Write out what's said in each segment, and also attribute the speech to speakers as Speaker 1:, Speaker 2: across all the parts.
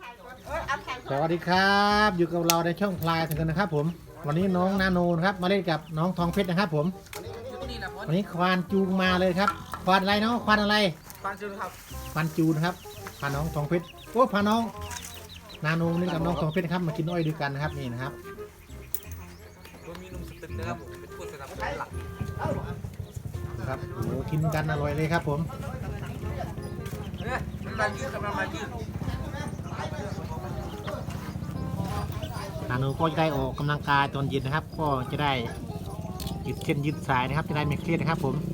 Speaker 1: สวัสดีครับอยู่กับเราในช่องพลายถึงกันนะครับผมวันนี้น้องนาโนนะครับมาเล่นกับน้องทองเพชรนะครับผมวันนี้ควานจูงมาเลยครับควานอะไรเนาะควานอะไร
Speaker 2: ควานจูนครับ
Speaker 1: ควานจูนครับพาน้องทองเพชรโอ้พาน้องนาโนเล่นกับน้องทองเพชรครับมากินอ้อยด้วยกันนะครับนี่นะครับ
Speaker 2: ผมมีนุ่มสตึกนะครับผมเป็นผู้สนับสนุนหลัก
Speaker 1: ครับโอ้กินกันอร่อยเลยครับผม
Speaker 2: มันมายืดกับมันมายืด
Speaker 1: นาโนก็จะได้ออกกำลังกายตอนเย็นนะครับก็จะได้ยืดเส้นยืดสายนะครับจะได้ไม่เครียดนะครับผม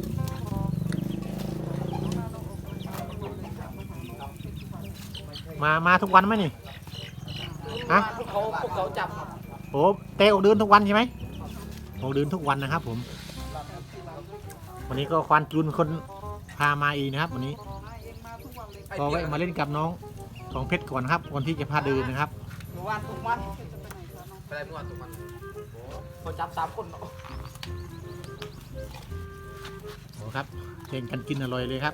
Speaker 1: มาทุกวันไหมนี่ฮะ
Speaker 2: พวกเขาจับ
Speaker 1: โอ้เตะออกเดินทุกวันใช่ไหมออกเดินทุกวันนะครับผมวันนี้ก็ควานจูนคนพามาอีกนะครับวันนี้ก็ไว้มาเล่นกับน้องของเพชรก่อนครับวันที่จะพาเดินนะครับ
Speaker 2: ทุกวันไปได้ทุกวันเขาจับ3 คน
Speaker 1: โอ้ครับเล่นกันกินอร่อยเลยครับ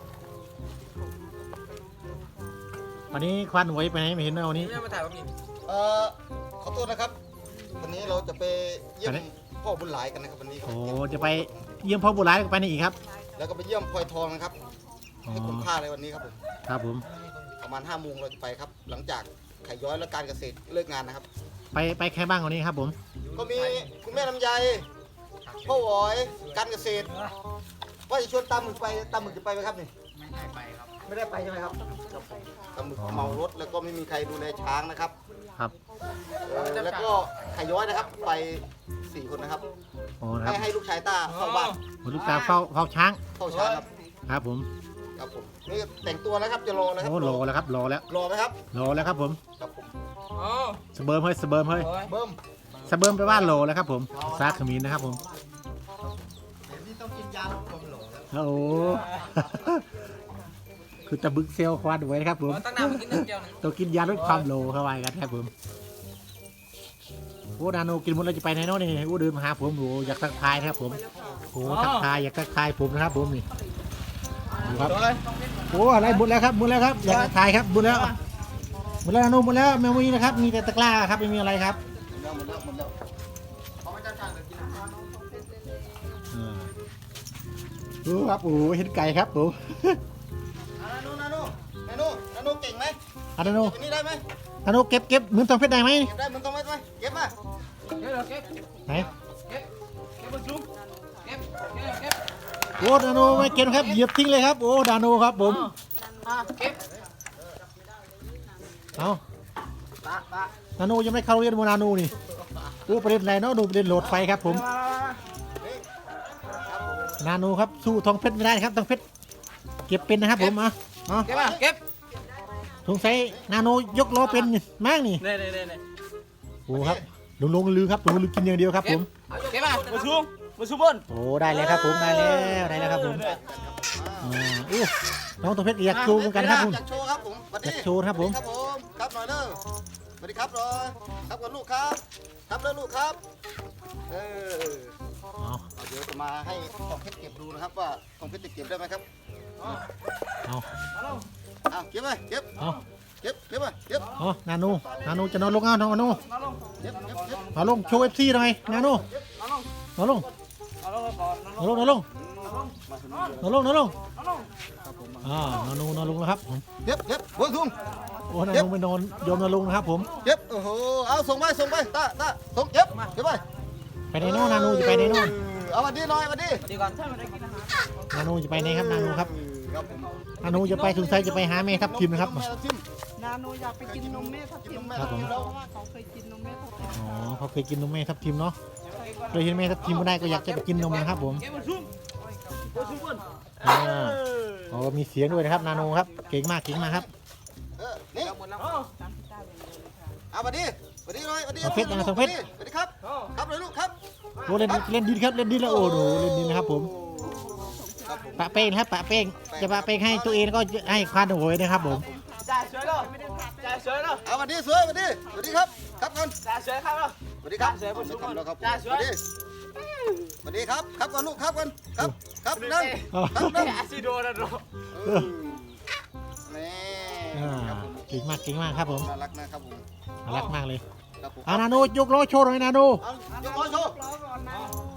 Speaker 1: วันนี้ควานหวยไปไหนไม่เห็นเลยวันนี้
Speaker 2: ไม่มาถ่ายแบบนี้
Speaker 3: ขอโทษนะครับวันนี้เราจะไปเยี่ยมพ่อบุญหลายกันนะครับวันนี้
Speaker 1: โอ้จะไปเยี่ยมพ่อบุญหลายไปไหนอีกครับ
Speaker 3: แล้วก็ไปเยี่ยมพลอยทองนะครับให้คุ้มค่าเลยวันนี้ครับผม
Speaker 1: ครับผม
Speaker 3: ประมาณ5 โมงเราจะไปครับหลังจากไข่ย้อยและการเกษตรเลิกงานนะครับ
Speaker 1: ไปใครบ้างวันนี้ครับผม
Speaker 3: ก็มีคุณแม่ลำไยพ่อหวอยการเกษตรว่าจะชวนตามหมึกจะไปไหมครับนี่
Speaker 2: ไม่ได้ไปครับ
Speaker 3: ไม่ได้ไปใช่ไหมครับตามหมึกเมารถแล้วก็ไม่มีใครดูแลช้างนะครับ
Speaker 1: ครับ
Speaker 3: แล้วก็ไข่ย้อยนะครับไป4 คนนะครับให้ลูกชายต้าเข้าบ้าน
Speaker 1: ลูกสาวเฝ้าช้าง
Speaker 3: ครับ
Speaker 1: ครับผม
Speaker 3: นี่แต่งตัวแล้วครับจะรอแล้วครับ
Speaker 1: รอแล้วครับรอแล้ว
Speaker 3: รอไหมครับ
Speaker 1: รอแล้วครับผมสเบิร์มเฮ้ยสเบิร์มไปบ้านรอแล้วครับผมซากขมิ้นนะครับผม
Speaker 3: นี่ต้องกินยาลดความหล่อ
Speaker 1: แล้วโอ้คือตะบึกเซลควานไว้นะครับผมต้องกินยาลดความโลเข้าไปกันครับผมโอ้นาโนกินหมดแล้วจะไปไหนเนาะนี่โอ้เดินมาหาผมโอ้อยากทักทายนะครับผมโอ้ทักทายอยากทักทายผมนะครับผมนี่ครับโอ้อะไรหมดแล้วครับอยากทักทายครับหมดแล้วนาโนหมดแล้วไม่มีนะครับมีแต่ตะกร้าครับไม่มีอะไรครับดูครับโอ้เห็นไก่ครับผม
Speaker 3: นาโนเก่งไหม
Speaker 1: นาโน
Speaker 3: นี่ได้ไหม
Speaker 1: นาโนเก็บเหมือนทองเพชรได้ไหม
Speaker 3: ได้เหมือนทองเพชรไหมเก็บมา
Speaker 1: ไหน
Speaker 2: เก็บบนซุ้มเก็บ
Speaker 1: โอ้นาโนไม่เก็บครับเหยียบทิ้งเลยครับโอ้นาโนครับผม
Speaker 2: เก็บ
Speaker 1: เอานาโนยังไม่เข้าเรียนโมนาโนนี่โอ้ประเด็นอะไรเนาะดูประเด็นโหลดไฟครับผมนาโนครับสู้ทองเพชรไม่ได้ครับทองเพชรเก็บเป็นนะครับผม
Speaker 2: เก็บ
Speaker 1: สงสัยนาโนยกล้อเป็นมากนี่โอ้ครับลงลือครับลงลือกินอย่างเดียวครับผม
Speaker 2: เก็บมาซูบน
Speaker 1: โอ้ได้เลยครับผมได้แล้วครับผมน้องทองเพชรอยากโชว์กันครับผม
Speaker 3: อยากโชว์ครับผม
Speaker 1: อยากโชว์ครับผม
Speaker 3: ครับหน่อยเด้อสวัสดีครับหน่อยครับกับลูกครับครับเลยลูกครับเดี๋ยวจะมาให้ทองเพชรเก็บดูนะครับว่าทองเพชรจะเก็บได้ไหมครับเก็บไปเก็บ
Speaker 1: นาโนจะนอนลงนาโนเอาลงโชว์FCหน่อยนาโนเอาลงนาโนนอนลงนาโนแล้วครับ
Speaker 3: เก็บหัวทุ่ง
Speaker 1: โอ้นาโนไปนอนโยมนาโนนะครับผม
Speaker 3: เก็บโอ้โหเอาส่งไปตาส่งเก็บ
Speaker 1: ไปในโน่นาโนจะไปในโน่
Speaker 3: เอามาดีหน่อยมาดี
Speaker 2: ก่อน
Speaker 1: นาโนจะไปในครับนาโนครับนาโนจะไปสงสัยจะไปหาแม่ทับทิมนะครับ
Speaker 4: นาโนอยากไปกินนมแม่ทับทิมเพราะว่าเขาเคยกินนมแม่ทับทิม
Speaker 1: เขาเคยกินนมแม่ทับทิมเนาะเคยเห็นแม่ทับทิมไม่ได้ก็อยากจะไปกินนมนะครับผมมีเสียงด้วยนะครับนาโนครับเก่งมากครับ
Speaker 3: นี่เอามาดีหน่อย
Speaker 1: ทองเพชรทองเพชร
Speaker 3: สวัสดีครับเลยลูกครับ
Speaker 1: โอ้เล่นดินครับเล่นดินแล้วโอ้โหเล่นดินนะครับผมปะเป้งครับปะเป้งจะปะเป้งให้ตัวเองก็ให้ควานโวยนะครับผม
Speaker 2: จ่ายสวยแล้ว
Speaker 3: เอามาดีสวยมาดีสวัสดีครับครับก่อน
Speaker 2: จ่ายสวยครับ
Speaker 3: สวัสดีครับสวัสดีครับก่อนลูกครับก่อนครับนั่ง
Speaker 2: อาซิโดนะโด
Speaker 3: นี่
Speaker 1: เก่งมากครับผม
Speaker 3: น่ารักนะครับผม
Speaker 1: น่ารักมากเลย
Speaker 3: ครับผม
Speaker 1: นาโนยกล้อโชว์หน่อยนาโน
Speaker 3: เอายกล้อโชว์
Speaker 4: ล้อก่อนนะ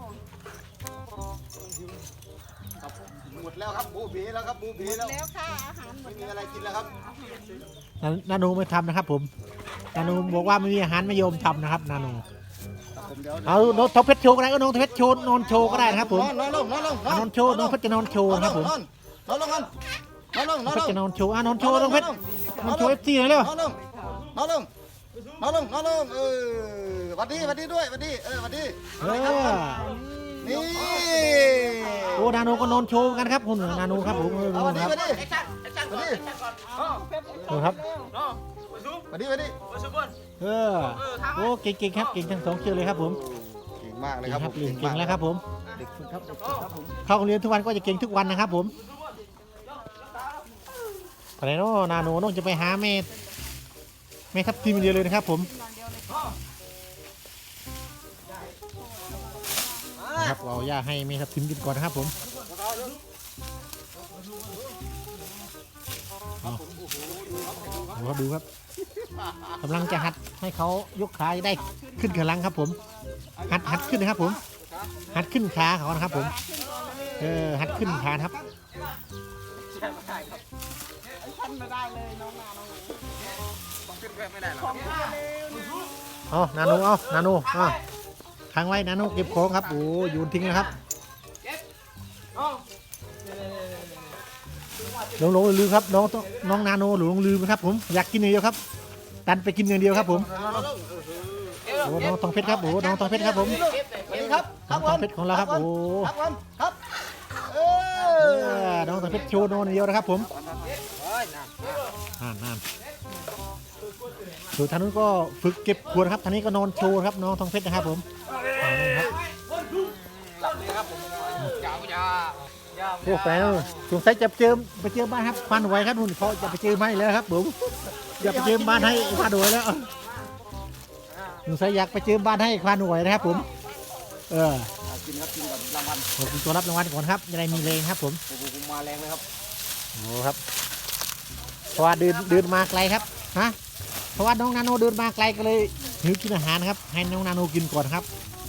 Speaker 3: ครับหมดแล้วครับบูบีแล้วครับบูบีแล้ว
Speaker 4: แล้วค่ะอาหารหม
Speaker 3: ไม่
Speaker 4: ด
Speaker 3: มี
Speaker 4: แล้ว
Speaker 3: อะไรกินแล้วครับ
Speaker 1: นาโนไม่ทำนะครับผมนาโนบอกว่าไม่มีอาหารไม่ยอมทำนะครับนาโน
Speaker 3: ครับผมเดี๋ยว
Speaker 1: เอาน้องทอเพชรโชว์ก็ได้ก็น้องทอเพชรโชว์นอนโชว์ก็ได้นะครับผม
Speaker 3: นอนลง
Speaker 1: นอนโชว์น้องเพชรจะนอนโชว์นะครับผม
Speaker 3: นอนลงกันนอนลง
Speaker 1: น้องเพชรจะนอนโชว์นอนโชว์
Speaker 3: น
Speaker 1: น้องเพชรนอนโชว์เอฟซีหน่อยเร็ว
Speaker 3: นอนลงนอนลงนอนลงหวัดดีด้วยหวัดดีหวัดดี นี่
Speaker 1: โอ้นาโนก็นอนโชว์กันครับคุณนาโนครับผม
Speaker 3: เอาหวัดดี
Speaker 1: ครับ
Speaker 3: หวัดดี
Speaker 2: ไอ้ช่างก่อนไอ้ช่างก่อน
Speaker 1: ดูครับ
Speaker 2: น้องไปซุป
Speaker 3: หวัดดี
Speaker 2: ไปซุปก่อน
Speaker 1: โอ้เก่งครับเก่งทั้งสองเชือกเลยครับผม
Speaker 3: เก่งมากเลย
Speaker 1: เก่ง
Speaker 3: ครับ
Speaker 1: ครับเก่งแล้วครับผม
Speaker 3: เด็กฝึกครับเด็กฝึกครับผม
Speaker 1: เข้าโรงเรียนทุกวันก็จะเก่งทุกวันนะครับผมอะไรเนาะนาโนน้องจะไปหาแม่ทับทีมเดียวเลยนะครับผมนะครับเอาย่าให้แม่ทับทีมกินก่อนนะครับผมดูครับกำลังจะหัดให้เขายกขาได้ขึ้นกำลังครับผมหัดขึ้นนะครับผมหัดขึ้นขาเขานะครับผมหัดขึ้นขาครับ
Speaker 4: ท่านไม่ได้เลยน้องนาโน
Speaker 2: ต้องขึ้นไม่ได้หรอก
Speaker 4: ของข้าเลย
Speaker 1: เอานาโนทางไว้นาโนเก็บของครับโอ้โยนทิ้งนะครับหลงลืมครับน้องนาโนหลงลืมครับผมอยากกินอย่างเดียวครับดันไปกินอย่างเดียวครับผมโอ้น้องทองเพชรครับโอ้น้องทองเพชรครับผม
Speaker 3: สวัสดีครับ
Speaker 1: น้องทองเพชรของเราครับโอ้
Speaker 3: ครับผมครับ
Speaker 1: น้องทองเพชรโชว์โนนอย่างเดียวนะครับผมนั่นส่วนทางนู้นก็ฝึกเก็บขวดครับทางนี้ก็นอนโชว์ครับน้องทองเพชรนะครับผมครับ
Speaker 2: หลับเลยครับผมยาว
Speaker 1: โอ้แฟนสงสัยจะไปเจอบ้านครับควันไว้ครับนู่นเขาจะไปเจอไม้แล้วครับผมอยากไปเจอบ้านให้ควันไว้แล้วสงสัยอยากไปเจอบ้านให้ควันไว้นะครับผม
Speaker 3: กินครับกินกับรางวัล
Speaker 1: ขอบคุณตัวรับรางวัลก่อนครับจะได้มีแรงครับผม
Speaker 3: โอ้โหมาแรงเลยครับ
Speaker 1: โอ้ครับเพราะว่าเดินมาไกลครับฮะเพราะว่าน้องนาโนเดินมาไกลก็เลยหิวกินอาหารครับให้น้องนาโนกินก่อนครับ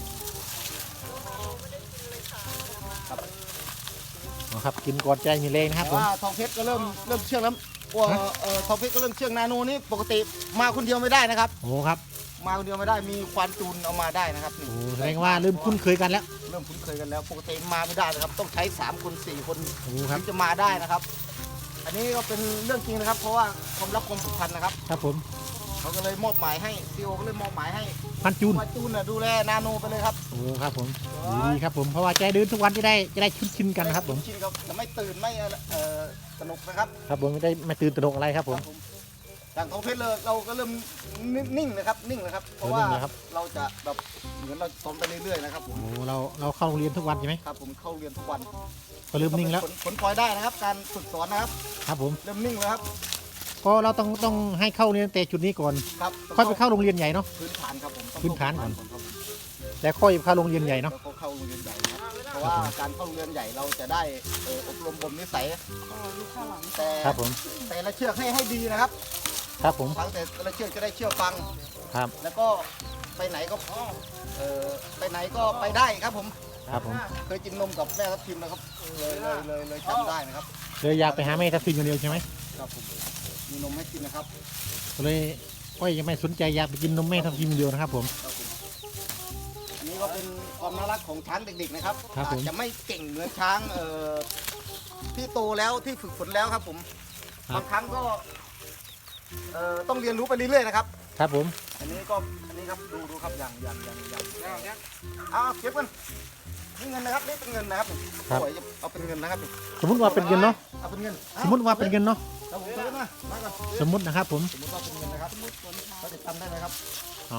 Speaker 1: ครับกินก่อนใจมีแรงนะครับผม
Speaker 3: ว่าทองเพชรก็เริ่มเชื่องแล้วว่าทองเพชรก็เริ่มเชื่องนาโนนี่ปกติมาคนเดียวไม่ได้นะครับ
Speaker 1: โอ้ครับ
Speaker 3: มาคนเดียวไม่ได้มีควานจูนเอามาได้นะครับ
Speaker 1: โอ้แสดงว่าเริ่มคุ้นเคยกันแล้ว
Speaker 3: เริ่มคุ้นเคยกันแล้วปกติมาไม่ได้นะครับ ต้องใช้3คน4 คน
Speaker 1: โอ้ครับ
Speaker 3: ถึงจะมาได้นะครับ อันนี้ก็เป็นเรื่องจริงนะครับ เพราะว่าความรักความผูกพันนะครับ
Speaker 1: ครับผม
Speaker 3: เขาก็เลยมอบหมายให้ซีโอก็เลยมอบหมายให้
Speaker 1: พันจูน
Speaker 3: ควานจูนน่ะดูแลนาโนไปเลยครับ
Speaker 1: โอ้ครับผมดีครับผมเพราะว่าใจเดินทุกวันจะได้ชินกันนะครับผม
Speaker 3: ชินครับจะไม่ตื่นไม่สนุกนะครับ
Speaker 1: ครับผมไม่ตื่นตระหนกอะไรครับผม
Speaker 3: อย่างทองเพชรเลยเราก็เริ่มนิ่งนะครับนิ่งนะครับ เพราะว่า
Speaker 1: นิ่งเลยครับ
Speaker 3: เราจะแบบเหมือนเราซ้อมไปเรื่อยๆนะครับผม
Speaker 1: โอ้เราเข้าโรงเรียนทุกวันใช่ไหม
Speaker 3: ครับผมเข้าเรียนทุกวัน
Speaker 1: ก็เริ่มนิ่งแล้ว
Speaker 3: ผลพลอยได้นะครับ การฝึกสอนนะครับ
Speaker 1: ครับผม
Speaker 3: เริ่มนิ่งแล้วครับ
Speaker 1: ก็เราต้องให้เข้าเรียนแต่จุดนี้ก่อน
Speaker 3: ครับ
Speaker 1: ค่อยไปเข้าโรงเรียนใหญ่เนาะ
Speaker 3: พื้นฐานครับผมต้อง
Speaker 1: พื้นฐานก่อน
Speaker 3: ครับผม
Speaker 1: แล้วค่อยเข้าโรงเรียนใหญ่เนาะ
Speaker 3: แล้วก็เข้าโรงเรียนใหญ่นะครับเพราะว่าการเข้าโรงเรียนใหญ่เราจะได้อบรมบ่มนิสัย
Speaker 4: ก็อยู่ข้างหลัง
Speaker 3: แต่
Speaker 1: ครับผม
Speaker 3: แต่ละเชือกให้ดีนะครับ
Speaker 1: ครับผม
Speaker 3: ฟังแต่ละเชือกจะได้เชื่อฟัง
Speaker 1: ครับ
Speaker 3: แล้วก็ไปไหนก็ไปไหนก็ไปได้ครับผม
Speaker 1: ครับผม
Speaker 3: เคยกินนมกับแม่ทับทิมนะครับเลยจำได้นะครับ
Speaker 1: เลยอยากไปหาแม่ทับทิมคนเดียวใช่ไหม
Speaker 3: ครับผมมีนมให้กินนะครับ
Speaker 1: ก็เลยก็ยังไม่สนใจอยากไปกินนมแม่ทับทิมคนเดียวนะครับผม
Speaker 3: ครับผมอันนี้ก็เป็นความน่ารักของช้างเด็กๆนะครับ
Speaker 1: ครับผม
Speaker 3: อาจจะไม่เก่งเหมือนช้างที่โตแล้วที่ฝึกฝนแล้วครับผมบางครั้งก็ต้องเรียนรู้ไปเรื่อยๆนะครับ
Speaker 1: ครับผม
Speaker 3: อันนี้ครับดูครับอย่างเอาเก็บกันนี่เงินนะครับนี่เป็นเงินนะครับโอ้ยเอาเป็นเงินนะครับ
Speaker 1: สมมุติว่าเป็นเงินเนาะ
Speaker 3: เอาเป็นเงิน
Speaker 1: สมมุติว่าเป็นเงินเนาะ
Speaker 3: เราผมเติมมาก่อน
Speaker 1: สมมุตินะครับผม
Speaker 3: สมมติว่าเป็นเงินนะครับเขาจะจำได้ไหมครับ
Speaker 1: เอา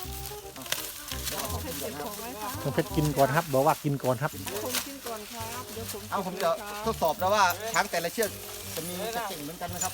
Speaker 4: เขาให้เก็บของไว้ค่ะ
Speaker 1: ต้องเพชรกินก่อนครับบอกว่ากินก่อนครับ
Speaker 4: ผมกินก่อนครับเดี๋ยวผม
Speaker 3: เอาผมจะทดสอบแล้วว่าช้างแต่ละเชือกจะเก่งเหมือนกันนะครับ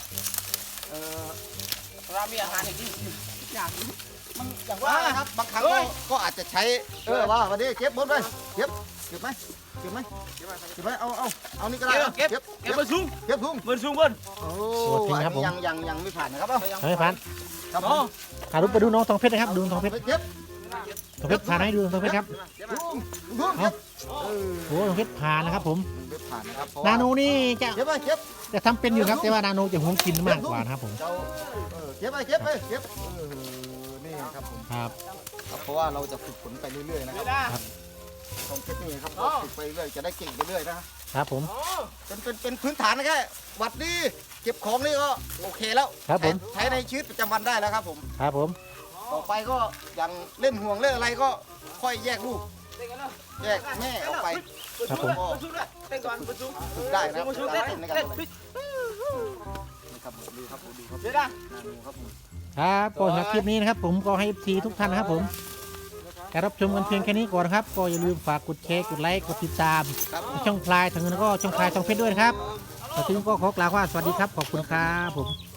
Speaker 2: เรามีอาหารอีกที่
Speaker 4: อย่างนี้
Speaker 3: มันอย่างว่านะครับบางครั้งก็อาจจะใช้ว่าวันนี้เก็บบนไปเก็บไหมก็บไหมเก็บไหมเอานี่ก็ได้
Speaker 2: เก็บเบอร์สูง
Speaker 3: เก็บทุ่ง
Speaker 2: เบอร์สูงเบิ้ล
Speaker 3: โอ้ยังไม่ผ่านนะครับ
Speaker 1: ไม่ผ่าน
Speaker 3: ครับผม
Speaker 1: ถ่ายรูปไปดูน้องทองเพชรนะครับดูน้องทองเพชร
Speaker 3: เก็บ
Speaker 1: ทองเพชรผ่านให้ดูทองเพชรครับ
Speaker 3: ทุ่งเก็บ
Speaker 1: โอ้ทองเพชรผ่านนะครับผม
Speaker 3: ไม่ผ่านนะครับ
Speaker 1: นาโนนี่จะ
Speaker 3: เก็บไปเก็บ
Speaker 1: จะทำเป็นอยู่ครับแต่ว่านาโนจะหวงกินมากกว่านะครับผม
Speaker 3: เก็บไปนี่ครับผม
Speaker 1: ครับ
Speaker 3: เพราะว่าเราจะฝึกฝนไปเรื่อยๆนะครับของเทคนิคครับฝึกไปเรื่อยจะได้เก่งไปเรื่อยนะครับ
Speaker 1: ผม
Speaker 3: เป็นพื้นฐานนะแค่วัดดีเก็บของนี่ก็โอเคแล้ว
Speaker 1: ครับผม
Speaker 3: ใช้ในชีวิตประจำวันได้แล้วครับผม
Speaker 1: ครับผม
Speaker 3: ต่อไปก็อย่างเล่นห่วงเล่นอะไรก็ค่อยแยกลูกแยกแม่ออกไป
Speaker 1: ครับผม
Speaker 2: เบอร์สูงเลยเต้นก่อนเบอร์สูง
Speaker 3: ฝึกได้นะ
Speaker 2: เบอร์สูงเต้น
Speaker 3: ในการ
Speaker 2: เต้น
Speaker 3: นี่ครับดูครับดูครับ
Speaker 2: เดี๋ยวนะ
Speaker 3: ดูครับผม
Speaker 1: ครับก่อนจากคลิปนี้นะครับผมก็ให้ทีทุกท่านนะครับผมการรับชมกันเพียงแค่นี้ก่อนนะครับก็อย่าลืมฝากกดแชร์กดไลค์กดติดตาม
Speaker 3: ครับ
Speaker 1: ช่องพลายทางเงินแล้วก็ช่องพลายทองเพชรด้วยนะครับแล้วทีนี้ก็ขอกล่าวว่าสวัสดีครับขอบคุณครับผม